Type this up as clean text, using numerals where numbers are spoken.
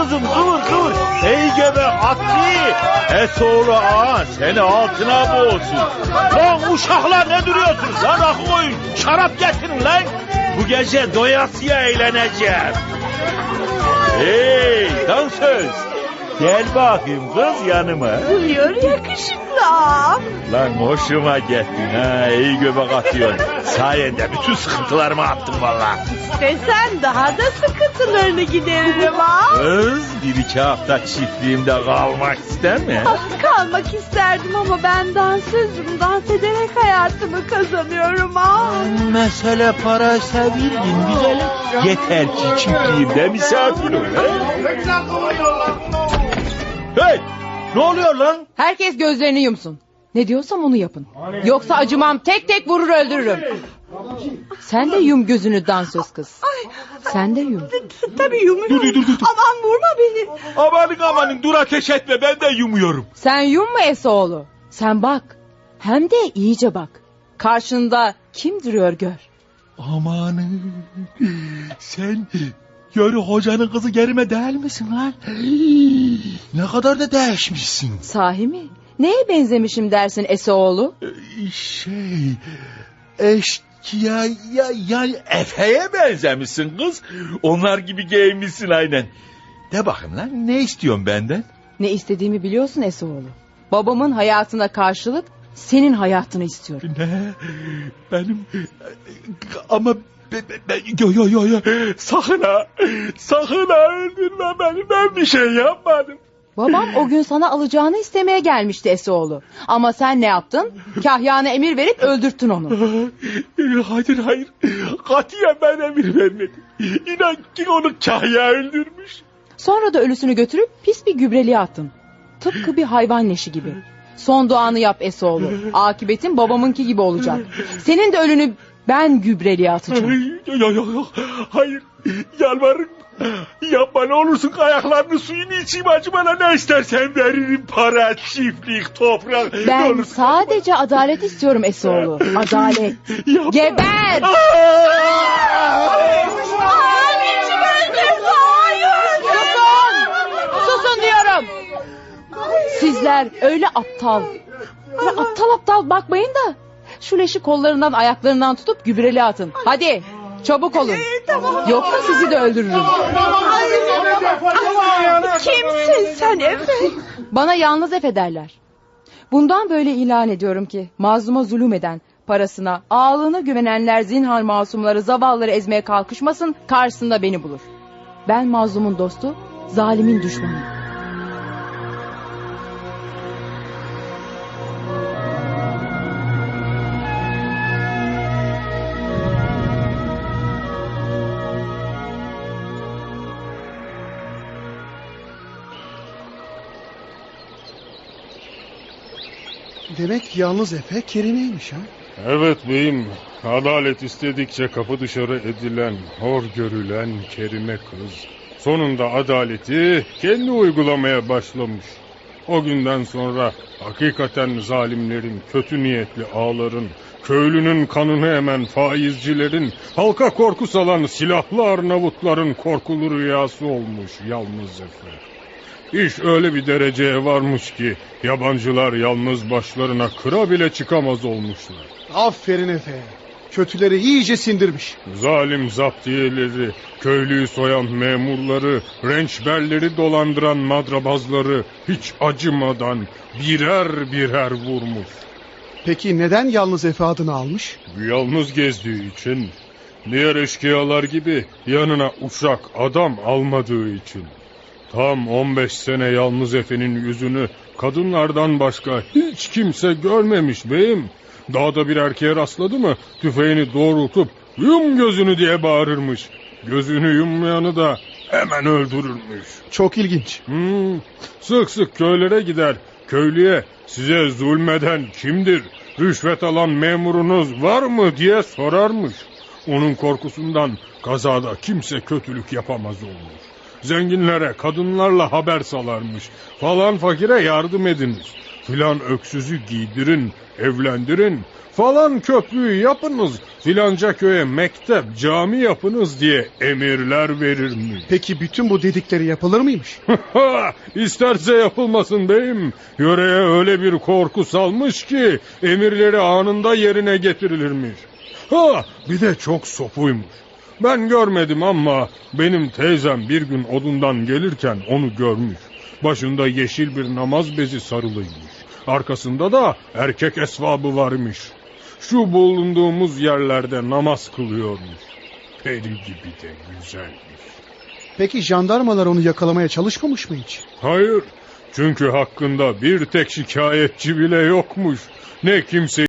kızım, kıvır. Ey gebe atlı. Esoğlu ağa seni altına boğulsun. Lan uşaklar ne duruyorsunuz lan, rakı koyun. Şarap getirin lan. Bu gece doyasıya eğleneceğim. Hey dansöz. Gel bakayım kız yanıma. Buyur yakışıklı. Lan hoşuma gittin ha, iyi göbek atıyorsun. Sayende bütün sıkıntılarımı attım valla. İstesen daha da sıkıntılarını gideririm ha. Kız bir iki hafta çiftliğimde kalmak ister mi? Kalmak isterdim ama ben dansözüm. Dans ederek hayatımı kazanıyorum ha. Mesele paraysa bilgin güzelim. Yeter ki çiftliğimde misafir ol. Hey! Ne oluyor lan? Herkes gözlerini yumsun. Ne diyorsam onu yapın. Yoksa acımam, tek tek vurur öldürürüm. Sen de yum gözünü dansöz kız. Sen de yum. Tabii yumuyorum. Dur. Aman vurma beni. Amanın dur, ateş etme, ben de yumuyorum. Sen yumma Esoğlu. Sen bak. Hem de iyice bak. Karşında kim duruyor gör. Amanın sen yarı hocanın kızı Gerime değil misin lan? Ne kadar da değişmişsin. Sahi mi? Neye benzemişim dersin Esoğlu? Eşkıya ya Efe'ye benzemişsin kız. Onlar gibi giyinmişsin aynen. De bakın lan, ne istiyorsun benden? Ne istediğimi biliyorsun Esoğlu. Babamın hayatına karşılık senin hayatını istiyorum. Ne? Benim ama yo sakın ha öldürme beni, ben bir şey yapmadım. Babam o gün sana alacağını istemeye gelmişti Esoğlu. Ama sen ne yaptın? Kahyana emir verip öldürttün onu. Hayır. Katiyen ben emir vermedim. İnan ki onu Kahya öldürmüş. Sonra da ölüsünü götürüp pis bir gübreliğe attın. Tıpkı bir hayvan leşi gibi. Son duanı yap Esoğlu. Akıbetin babamınki gibi olacak. Senin de ölünü ben gübreliğe atacağım. Yok. Hayır. Yalvarırım. Yapma ne olursun, ayaklarını suyunu içeyim, acı, bana ne istersen veririm. Para, çiftlik, toprak. Ben sadece adalet istiyorum Esoğlu. Adalet. Yapma. Geber! Susun diyorum. Sizler öyle aptal. Böyle aptal bakmayın da. Şu leşi kollarından ayaklarından tutup gübreli atın. Hadi çabuk olun. Yoksa sizi de öldürürüm. Kimsin sen Efe? Bana yalnız Efe derler. Bundan böyle ilan ediyorum ki mazluma zulüm eden, parasına, ağalığına güvenenler zinhar masumları, zavallıları ezmeye kalkışmasın, karşısında beni bulur. Ben mazlumun dostu, zalimin düşmanı. Demek yalnız Efe Kerime'ymiş ha? Evet beyim, adalet istedikçe kapı dışarı edilen, hor görülen Kerime kız sonunda adaleti kendi uygulamaya başlamış. O günden sonra hakikaten zalimlerin, kötü niyetli ağların, köylünün kanını emen faizcilerin, halka korku salan silahlı Arnavutların korkulu rüyası olmuş yalnız Efe. İş öyle bir dereceye varmış ki yabancılar yalnız başlarına kıra bile çıkamaz olmuşlar. Aferin Efe. Kötüleri iyice sindirmiş. Zalim zaptiyeleri, köylüyü soyan memurları, rençberleri dolandıran madrabazları hiç acımadan birer vurmuş. Peki neden yalnız Efe adını almış? Yalnız gezdiği için, diğer eşkıyalar gibi yanına uşak adam almadığı için. Tam 15 sene yalnız Efe'nin yüzünü kadınlardan başka hiç kimse görmemiş beyim. Dağda bir erkeğe rastladı mı tüfeğini doğrultup yum gözünü diye bağırırmış. Gözünü yummayanı da hemen öldürürmüş. Çok ilginç. Sık sık köylere gider. Köylüye size zulmeden kimdir? Rüşvet alan memurunuz var mı diye sorarmış. Onun korkusundan kazada kimse kötülük yapamaz olmuş. Zenginlere kadınlarla haber salarmış. Falan fakire yardım ediniz. Filan öksüzü giydirin, evlendirin. Falan köprüyü yapınız. filanca köye mektep, cami yapınız diye emirler verirmiş. Peki bütün bu dedikleri yapılır mıymış? İsterse yapılmasın beyim. Yöreye öyle bir korku salmış ki emirleri anında yerine getirilirmiş. Bir de çok sopuymuş. Ben görmedim ama benim teyzem bir gün odundan gelirken onu görmüş. Başında yeşil bir namaz bezi sarılıymış. Arkasında da erkek esvabı varmış. Şu bulunduğumuz yerlerde namaz kılıyormuş. Peri gibi de güzelmiş. Peki jandarmalar onu yakalamaya çalışmamış mı hiç? Hayır, çünkü hakkında bir tek şikayetçi bile yokmuş. Ne kimse